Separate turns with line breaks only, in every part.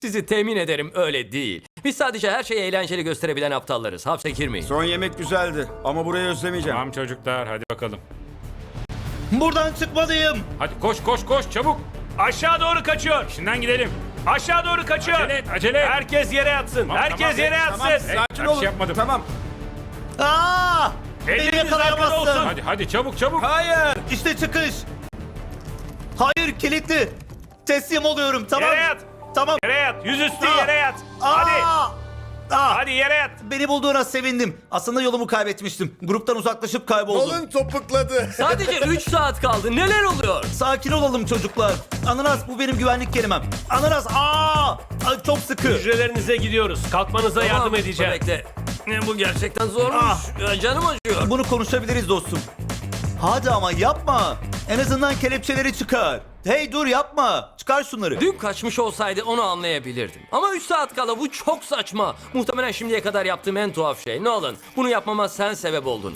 Sizi temin ederim öyle değil. Biz sadece her şeyi eğlenceli gösterebilen aptallarız. Hapse girmeyin.
Son yemek güzeldi ama burayı özlemeyeceğim.
Tamam çocuklar, hadi bakalım.
Buradan çıkmalıyım.
Hadi koş koş koş çabuk.
Aşağı doğru kaçıyor.
İşinden gidelim.
Aşağı doğru kaçıyor.
Acele et, acele et.
Herkes yere yatsın.
Tamam,
Herkes
tamam,
yere
tamam.
yatsın.
Hey,
Sakin
bir
olun.
şey yapmadım.
Tamam.
Aa! Beni
Elleriniz arkada
yakalayamazsın.
olsun.
Hadi çabuk çabuk.
Hayır.
İşte çıkış. Hayır, kilitli. Teslim oluyorum, tamam.
Yere yat.
Tamam.
Yere yat. Yüzüstü
Aa!
yere yat.
Aa!
Hadi.
Aa!
Hadi yere yat.
Beni bulduğuna sevindim. Aslında yolumu kaybetmiştim. Gruptan uzaklaşıp kayboldum.
Kolun topukladı.
Sadece 3 saat kaldı. Neler oluyor?
Sakin olalım çocuklar. Ananas, bu benim güvenlik kelimem. Ananas, Ay, çok sıkı.
Hücrelerinize gidiyoruz. Kalkmanıza yardım
Tamam,
edeceğim.
Bekle. Bu gerçekten zormuş. Canım acıyor.
Bunu konuşabiliriz dostum. Hadi ama yapma. En azından kelepçeleri çıkar. Hey dur, yapma. Çıkar şunları.
Dün kaçmış olsaydı onu anlayabilirdim. Ama 3 saat kala bu çok saçma. Muhtemelen şimdiye kadar yaptığım en tuhaf şey. Nolan, bunu yapmama sen sebep oldun.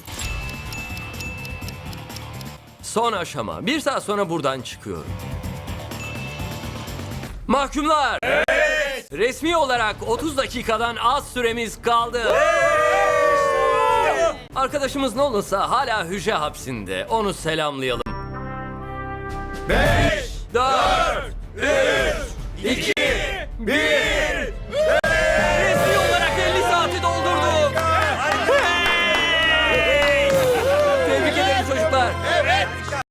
Son aşama. 1 saat sonra buradan çıkıyorum. Mahkumlar! Evet! Resmi olarak 30 dakikadan az süremiz kaldı. Arkadaşımız Nolan'sa hala hücre hapsinde. Onu selamlayalım. 5, 4, 3, 2, 1...